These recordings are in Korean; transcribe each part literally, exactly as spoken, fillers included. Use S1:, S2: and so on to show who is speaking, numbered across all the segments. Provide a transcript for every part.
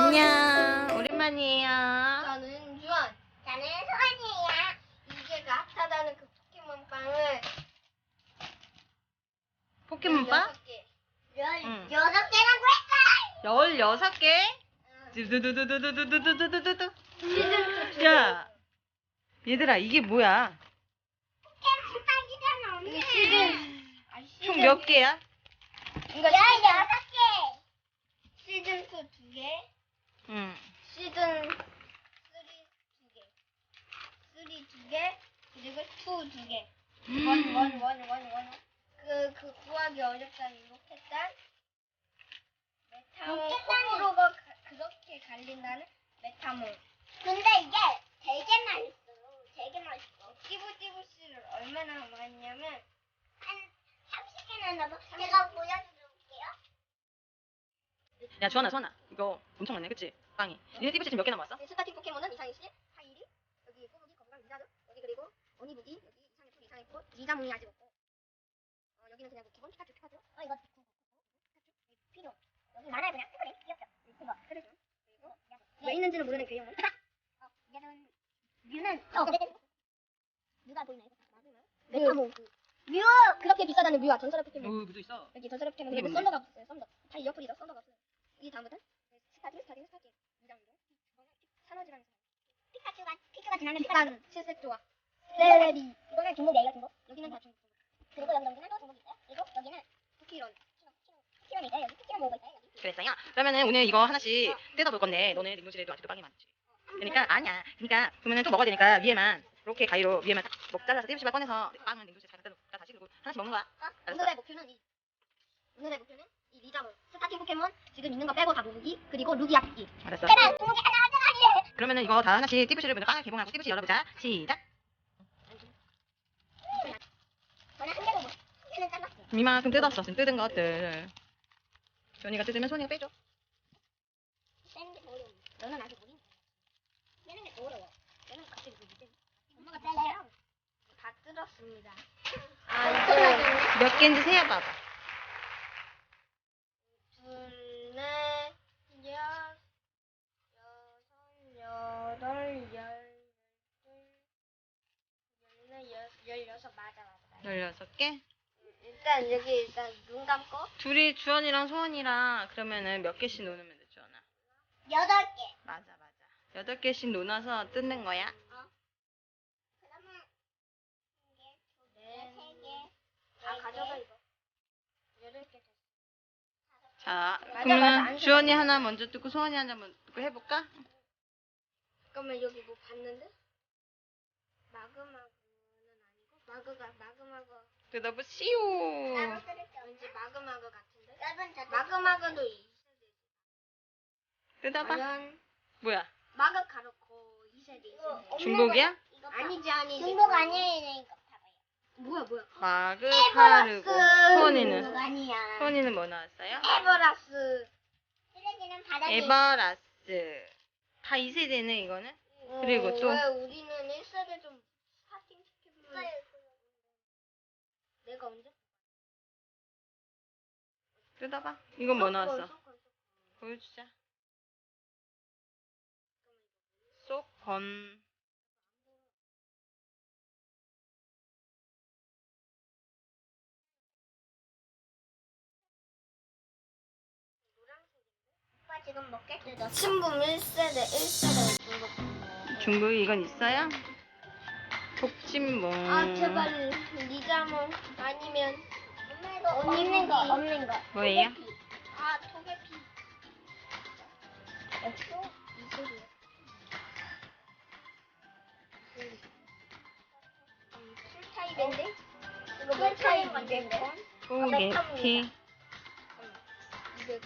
S1: 안녕. 오랜만이에요.
S2: 저는 주원.
S3: 저는 소원이에요.
S2: 이게 그 핫하다는 그 포켓몬빵을
S1: 포켓몬빵?
S2: 여섯 개.
S3: 열,
S1: 응.
S3: 여섯 개라고 했어!
S1: 열여섯 개?
S2: 응.
S1: 두두두두두두두두두두두.
S2: 시즌 투.
S1: 야, 얘들아, 이게 뭐야?
S3: 포켓몬빵이잖아,
S2: 이게
S3: 언니.
S2: 시즌. 아, 시즌.
S1: 총 몇 개야?
S2: 그러니까
S3: 열여섯 개!
S2: 시즌 투 두 개.
S1: 응.
S2: 시즌 쓰리 두 개. 쓰리 두 개. 그리고 투 두 개. 원, 원, 원, 원, 원. 그, 그 구하기 어렵다는 로켓단. 메타몬
S3: 로켓단이-
S2: 호불호가 가- 그렇게 갈린다는 메타몬.
S3: 근데 이게 되게 맛있어. 되게 맛있어.
S2: 띠부띠부씨를 얼마나 많냐면
S3: 한 삼십 개나 넣어. 제가 보여드릴게요.
S1: 야, 주원아, 주원아. 이거 엄청 많네, 그치? 빵이. 니네 띠부씨 지금 몇 개 남았어?
S2: 스타팅 포켓몬은 이상희 씨, 하이리, 여기 꼬부기, 거북이, 리자드, 여기 그리고 어니부기, 여기 이상희 풀, 이상희 꽃, 리자몽이 아직 없고, 어, 여기는 그냥 뭐 기본 피카츄, 피카츄,
S3: 어, 이거 피카츄, 필요. 여기 많아요, 그냥. 피카츄, 귀엽죠? 이거.
S2: 그래서 그리고 왜 있는지는 모르는 괴용은
S3: 어, 얘는 뮤는 어, 뮤가 보이나요?
S2: 메타몬, 그
S3: 뮤!
S2: 그렇게 비싸다는 뮤와 전설의 포켓몬.
S1: 오, 무도 있어.
S2: 여기 전설의 포켓몬
S1: 이게
S2: 그리고
S1: 뭔데?
S2: 썬더가 없어요. 썬더. 다 이어풀이죠. 썬더가 없어요. 이 다음부터는 스타팅, 스타팅, 스타팅. 이장도 산호지라는
S3: 피카츄가, 피카츄가 지나면 피카츄.
S2: 비싼 칠색 조합. 세레비.
S3: 이거는 중국이에요, 중국.
S2: 여기는 다 중국.
S3: 그리고 여기 여기는 또 중국이 있어요. 그리고 여기는
S2: 쿠키런.
S3: 키론이 있어요. 여기 키론 모으고 있어요. 여기.
S1: 그랬어요? 그러면은 오늘 이거 하나씩 뜯어볼 건데, 너네 냉동실에도 아직도 빵이 많지. 그러니까, 아니야. 그러니까, 그러면은 좀 먹어야 되니까, 위에만, 이렇게 가위로 위에만 딱 먹 잘라서 띠부씨만 꺼내서 빵은 냉동실에 잘 갖다 놓고 다시 그리고 하나씩 먹는 거야.
S2: 어?
S1: 알았어.
S2: 오늘의 목표는 이 오늘의 목표는 이 리자몽 스타팅 포켓몬 지금 있는 거 빼고 다 모으기 그리고 루기아 뽑기.
S1: 알았어.
S3: 제발 중국이 하나 하자.
S1: 그러면은 이거 다 하나씩 띠부씨를 먼저 빵을 개봉하고 띠부씨 열어보자. 시작.
S3: 저는 한 개도 못. 한 개는 잘랐어요.
S1: 이만큼 뜯었어. 지금 뜯은 것들. 전이가 뜯으면 손이가 빼줘.
S3: 빼는 게 더 어려워. 너는 아직 어린. 빼는 게 더 어려워. 너는 갑자기 그 밑에. 엄마가 빼래요.
S2: 다 뜯었습니다.
S3: 아,
S2: 아
S3: 이거
S2: 이거
S1: 몇 개인지 세어봐봐.
S2: 둘, 넷, 여, 여섯, 여덟, 열, 열둘, 열네, 열, 열여섯 맞아 맞아. 맞아.
S1: 열여섯 개?
S2: 일단 여기 일단 눈 감고
S1: 둘이 주원이랑 소원이랑 그러면은 몇 개씩 놓으면 돼, 주원아?
S3: 여덟 개.
S1: 맞아, 맞아. 여덟 개씩 놓아서 뜯는 거야.
S3: 그러면 한 개, 두 개,
S2: 네.
S3: 세 개,
S2: 다
S3: 네
S2: 가져가
S3: 개.
S2: 이거. 여덟 개 됐어.
S1: 자,
S2: 맞아,
S1: 그러면
S2: 맞아.
S1: 주원이 하나 먼저 뜯고 소원이 하나 먼저 뜯고 해볼까?
S2: 잠깐만 여기 뭐 봤는데? 마그마그는 아니고 마그가 마그마그
S1: 뜯어보시오.
S3: 나도 뜯을게.
S2: 왠지 마그마그 같은데?
S3: 여러분 저
S2: 마그마그도 이 세대.
S1: 뜯어봐.
S2: 과연
S1: 뭐야?
S2: 마그 가르코 이 세대 이
S3: 이거
S2: 세대.
S1: 중복이야?
S3: 이거
S2: 아니지 아니지.
S3: 중복 아니에요. 이거 봐봐요.
S2: 뭐야 뭐야?
S1: 마그, 카르고. 소원이는?
S3: 중복 아니야.
S1: 소원이는 뭐 나왔어요?
S2: 에버라스.
S3: 쓰레기는 바닥에.
S1: 에버라스. 다 이 세대네, 이거는? 그리고
S2: 어,
S1: 또?
S2: 왜 우리는 일 세대 좀 스타팅 시켜보면 내가 언제?
S1: 뜯어봐. 이건 뭐 나왔어?
S2: 소콘, 소콘.
S1: 보여주자. 쏙건.
S3: 오빠 지금 먹게 뜯었어.
S2: 신분 일 세대 일 세대 중국.
S1: 중국 이건 있어요? 복진봉.
S2: 아 제발 리자몽 아니면
S3: 엄마 이거 없는 거 없는 거.
S1: 뭐예요?
S2: 아 토게피.
S3: 없어?
S2: 이 소리야. 음, 풀타입인데? 이거
S3: 풀타입
S2: 풀타입
S3: 맞는데?
S2: 이백 번?
S1: 포개피.
S2: 이백.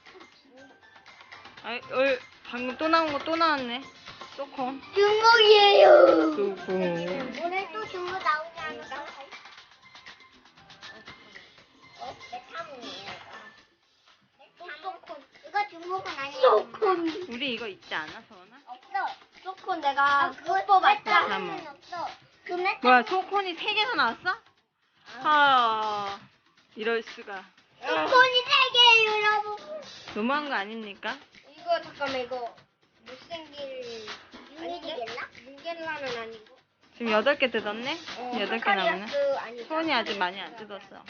S1: 아이, 어, 방금 또 나온 거 또 나왔네. 쏘콘.
S2: 중국이에요.
S1: 그리고
S3: 오늘 또 중국 나오지 않을까? 어? 메타몽이에요 이거.
S2: 소콘.
S3: 이거 중국은 아니에요.
S2: 소콘.
S1: 우리 이거 있지 않아, 서원아?
S3: 없어.
S2: 소콘 내가
S3: 그거
S2: 못 뽑았다.
S1: 메타몽.
S3: 없어. 그 메타.
S1: 뭐야, 소콘이 세 개나 나왔어? 하, 이럴 수가.
S3: 소콘이 세 개예요, 여러분.
S1: 너무한 거 아닙니까?
S2: 이거 이거 잠깐만 이거 못생길 아닌데?
S3: 윤기겠나?
S2: 윤겔라는 아니고.
S1: 지금 여덟 개 뜯었네?
S2: 어,
S1: 여덟 개 남았네.
S2: 사카리아스 아니다.
S1: 소원이 아직 많이 안 뜯었어.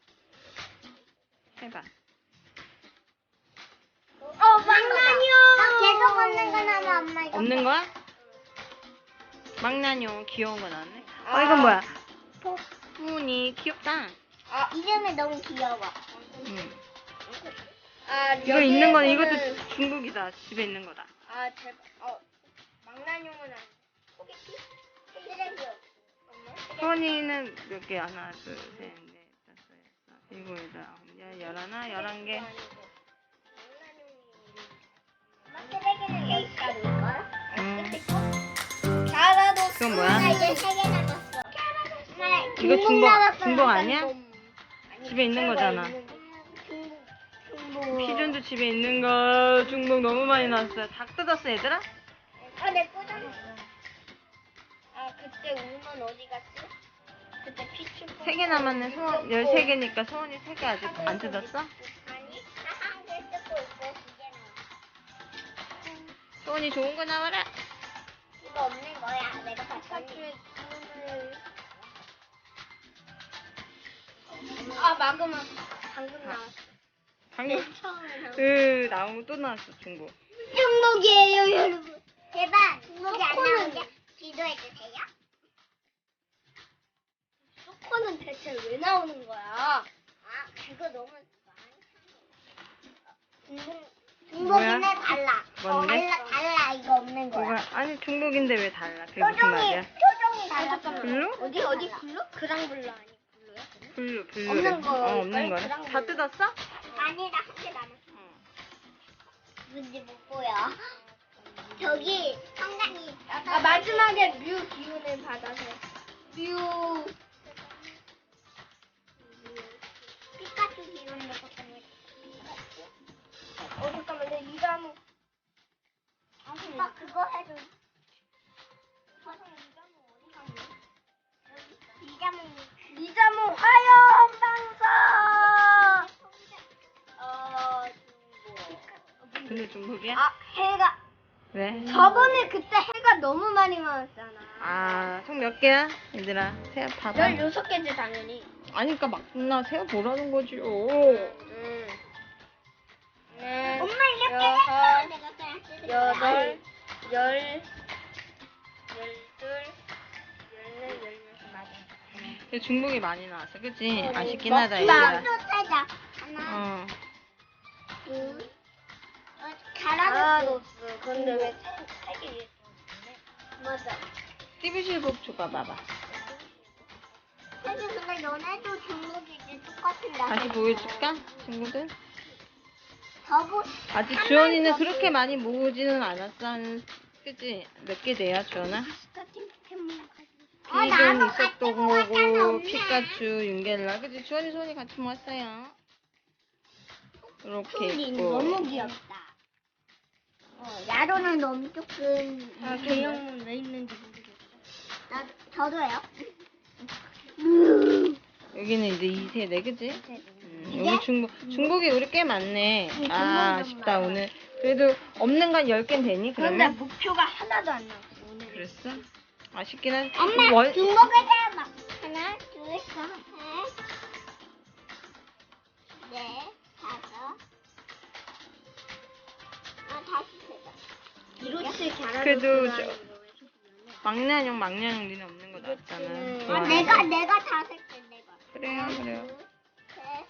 S1: 해봐.
S2: 어, 망나뇽.
S3: 나 계속 없는 거 나면 엄마 이거.
S1: 없는 거야? 망나뇽 귀여운 거 나왔네. 어,
S2: 아.
S1: 이건 뭐야? 폭분이 귀엽다.
S2: 아,
S3: 이름이 너무 귀여워.
S1: 응.
S2: 아,
S1: 이거 있는 거는
S2: 여기에서는-
S1: 이것도 중국이다. 집에 있는 거다.
S2: 아, 제발. 어, 망나뇽은 아니. 소개팅?
S3: 쓰레기.
S1: 소원이는 몇 개? 하나, 둘, 셋, 넷, 다섯, 여섯, 일곱, 여덟, 아홉, 열, 열하나, 열한 개.
S3: 엄마 쓰레기는 여기까지 있걸?
S1: 음.
S2: 자라도
S1: 그건
S3: 나
S1: 뭐야?
S3: 이제 세 개 남았어. 엄마,
S1: 이거
S3: 중복
S1: 중복,
S3: 남았어.
S1: 중복 아니야?
S2: 아니,
S1: 집에 있는 거잖아.
S3: 중복.
S2: 중복.
S1: 피존도 집에 있는 거 중복 너무 많이 나왔어요. 다 뜯었어, 얘들아?
S3: 아, 내 꽂아놨어.
S2: 아, 그때 우먼 어디 갔지? 그때 피추.
S1: 세 개 남았네. 소원 열세 개니까 소원이 세 개 아직 안 뜯었어?
S3: 아니, 나 한 개 뜯고 있고 두 개 남았어.
S1: 소원이 좋은 거 나와라.
S3: 이거 없는 거야. 내가 봤더니.
S2: 아, 마그마. 방금 나왔어.
S1: 방금
S3: 처음에 나온
S1: 으 나무 또 나왔어 중복.
S3: 중복이에요, 여러분. 제발 중복이 안 나오게 기도해 주세요.
S2: 소코는 대체 왜 나오는 거야?
S3: 아, 그거 너무 많이 중복
S1: 뭐야?
S3: 중복이네 달라.
S1: 뭔데?
S3: 달라 달라 이거 없는 거야.
S1: 뭐가 아니 중복인데 왜 달라? 그게 무슨
S3: 표정이
S1: 말이야?
S3: 표정이
S2: 아,
S3: 달라.
S2: 잠깐만.
S1: 블루?
S2: 어디, 어디 블루? 그랑 블루 아니, 블루야?
S1: 블루 블루.
S2: 없는 거.
S1: 어 없는 거야.
S2: 그랑
S1: 다
S2: 블루.
S1: 뜯었어?
S3: 아니 나 한 개 남았어.
S1: 응.
S3: 뭔지 못 보여. 저기 성당이
S2: 아, 마지막에 뮤 기운을 받아서. 뮤.
S3: 피카츄 기운도 봤더니.
S2: 어, 잠깐만. 내 이가무.
S3: 오빠 그거 해줘. 이자몽
S2: 리자몽 화염 방사. 어, 중국.
S1: 근데 중복이야?
S2: 아, 해가.
S1: 왜?
S2: 저번에 그때 해가 너무 많이 많았잖아.
S1: 아총 몇 개야? 얘들아 세어 봐봐.
S2: 열여섯 개지, 당연히.
S1: 아니 그니까 막나 세어 보라는 거지요.
S2: 음. 네.
S3: 엄마 이렇게
S2: 여섯,
S3: 했어. 내가 그냥 쓰는 거야.
S2: 여덟, 열, 열둘, 열넷, 열여섯. 맞아.
S1: 근데 중복이 많이 나왔어, 그치?
S2: 어,
S1: 아쉽긴 하다
S2: 먹방.
S1: 얘들아.
S3: 또 세자. 하나,
S1: 어.
S3: 둘, 어,
S2: 가라도스.
S3: 가라도스.
S2: 근데 왜 세, 세개 위에 또
S3: 맞아.
S1: 띠부실복 줘봐봐봐.
S3: 사실 근데 너네도 중복이지 똑같은 나.
S1: 다시 보여줄까? 친구들?
S3: 저보.
S1: 아직 주원이는 그렇게 많이 모으지는 않았어. 한, 그치? 몇 개 돼야, 주원아?
S3: 똑같은 포켓몬 가지고.
S1: 피존, 이석도 모으고, 피카츄, 윤겔라. 그치? 주원이, 소원이 같이 모았어요. 이렇게
S3: 툴린
S1: 있고.
S3: 너무 귀엽다. 어, 야로는 너무 조금.
S2: 아, 개형은 왜 있는지 모르겠어.
S3: 나 저도요.
S1: 여기는 이제 이 세네, 그치? 음,
S3: 이게?
S1: 여기 중복, 중복이 우리 꽤 많네.
S3: 응,
S1: 아,
S3: 중복이
S1: 아쉽다,
S3: 너무
S1: 오늘. 그래도 없는 건 열 개는 되니,
S2: 그런데
S1: 그러면?
S2: 목표가 하나도 안 나왔어, 오늘.
S1: 그랬어? 아쉽긴 한.
S3: 엄마
S1: 월-
S3: 중복을 잡아. 하나, 둘, 셋, 넷, 다섯. 아 다시 세자.
S2: 이로치 갸라도스.
S1: 그래도 저- 막내형, 막내형 니네 없는 거 나왔잖아.
S2: 이렇지는-
S3: 아,
S1: 좋아하는
S3: 내가
S1: 거.
S3: 내가 다 셀게 내가.
S1: 그래요, 그래요.
S3: 둘, 셋.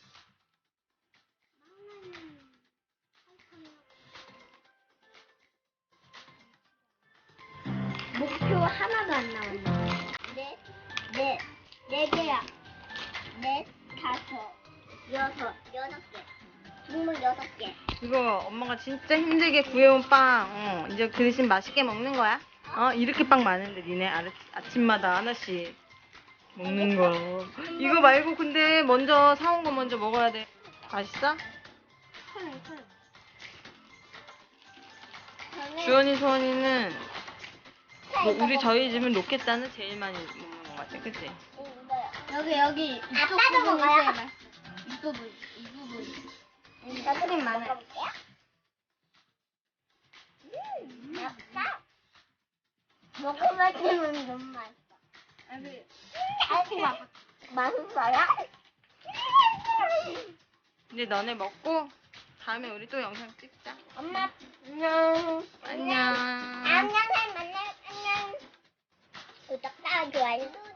S2: 목표 하나도 안 나왔네.
S3: 넷, 넷, 네 개야. 넷, 다섯, 여섯, 여섯 개. 중물 여섯 개.
S1: 이거 엄마가 진짜 힘들게 구해온 빵. 어, 이제 그 대신 맛있게 먹는 거야. 어, 이렇게 빵 많은데 니네 아, 아침마다 하나씩 먹는 거. 이거 말고 근데 먼저 사온 거 먼저 먹어야 돼. 맛있어?
S3: 저는
S1: 주원이, 소원이는 뭐 우리 저희 집은 로켓단을 제일 많이 먹는 것 같아, 그치?
S3: 이거요.
S2: 여기, 여기, 이쪽
S3: 아빠도
S2: 부분이
S3: 먹어요?
S2: 제일 맛있어. 이 부분, 이 부분. 여기 크림 많아요.
S3: 먹어볼게요. 먹으면 지면 너무 맛있어.
S1: 아니,
S3: 맛있어. 맛있어요?
S1: 이제 너네 먹고 다음에 우리 또 영상 찍자.
S3: 엄마, 안녕.
S1: 안녕.
S3: 안녕, 만나, 안녕. 구독과 좋아요.